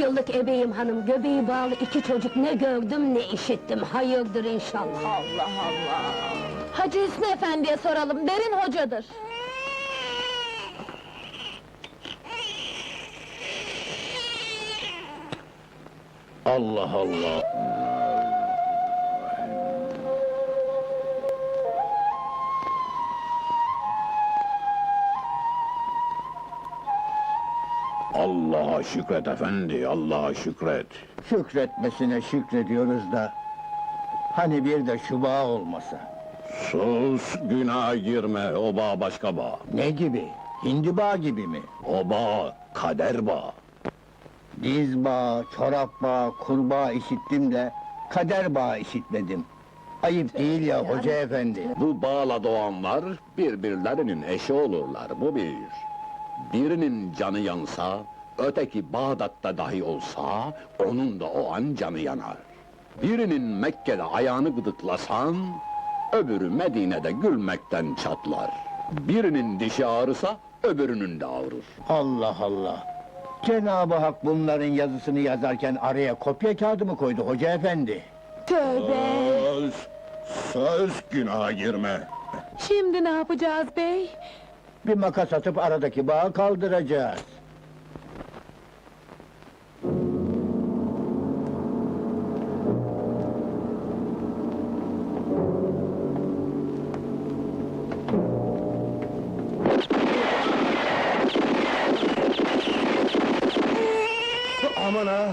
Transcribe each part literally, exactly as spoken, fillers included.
yıllık ebeyim hanım, göbeği bağlı iki çocuk ne gördüm ne işittim, hayırdır inşallah. Allah Allah! Hacı Hüsnü Efendi'ye soralım, derin hocadır. Allah Allah! Allah'a şükret efendi, Allah'a şükret! Şükretmesine şükrediyoruz da... Hani bir de şu bağ olmasa? Sus, günah girme, o bağ başka bağ. Ne gibi? Hindi bağı gibi mi? O bağ, kader bağ. Diz bağı, çorap bağı, kurbağa işittim de... Kader bağı işitmedim. Ayıp değil ya hoca efendi. Bu bağla doğanlar, birbirlerinin eşi olurlar, bu bir. Birinin canı yansa, öteki Bağdat'ta dahi olsa, onun da o an canı yanar. Birinin Mekke'de ayağını gıdıklasan, öbürü Medine'de gülmekten çatlar. Birinin dişi ağrısa, öbürünün de ağrır. Allah Allah! Cenab-ı Hak bunların yazısını yazarken araya kopya kağıdı mı koydu hoca efendi? Tövbe! Söz, söz günaha girme. Şimdi ne yapacağız bey? Bir makas atıp aradaki bağı kaldıracağız. Aman ha!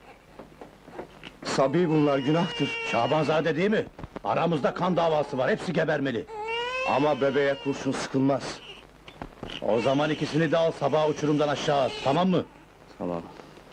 Sabi bunlar, günahtır. Şabanzade değil mi? Aramızda kan davası var, hepsi gebermeli. Ama bebeğe kurşun sıkılmaz. O zaman ikisini de al, sabah uçurumdan aşağı at, tamam mı? Tamam.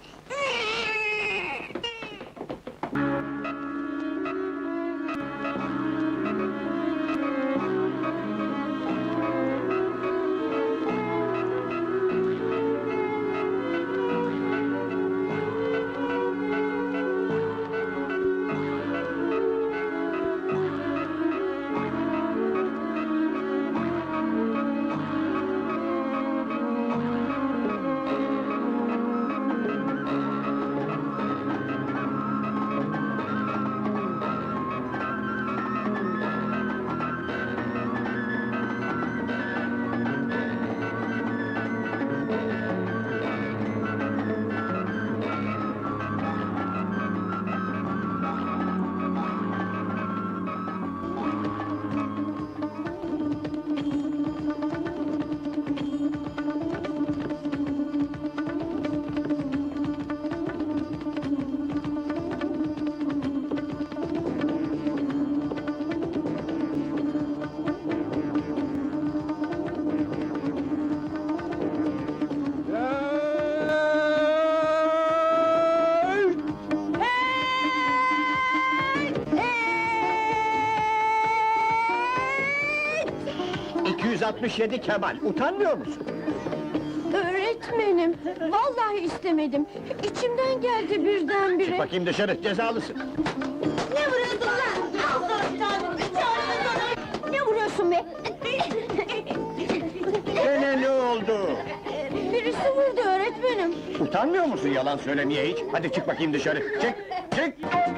iki yüz altmış yedi Kemal, utanmıyor musun? Öğretmenim, vallahi istemedim. İçimden geldi birdenbire. Çık bakayım dışarı, cezalısın! Ne vuruyorsun lan? Ne vuruyorsun be? Gene ne oldu? Birisi vurdu öğretmenim. Utanmıyor musun yalan söylemeye hiç? Hadi çık bakayım dışarı, çık, çık!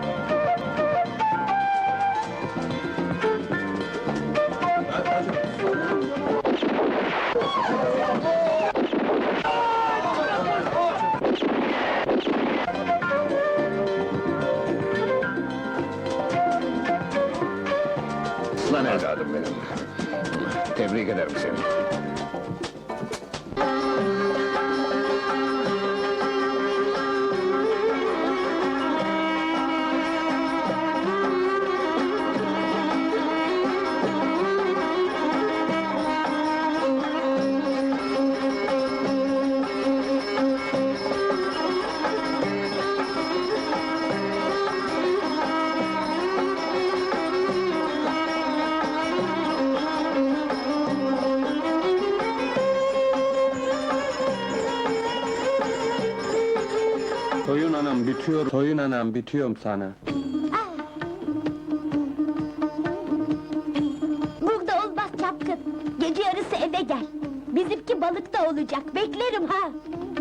Lan evladım benim. Tebrik ederim seni. Toyun anam bitiyor, toyun anam bitiyorum sana. Burada olmaz çapkın. Gece yarısı eve gel. Bizimki balıkta olacak. Beklerim ha.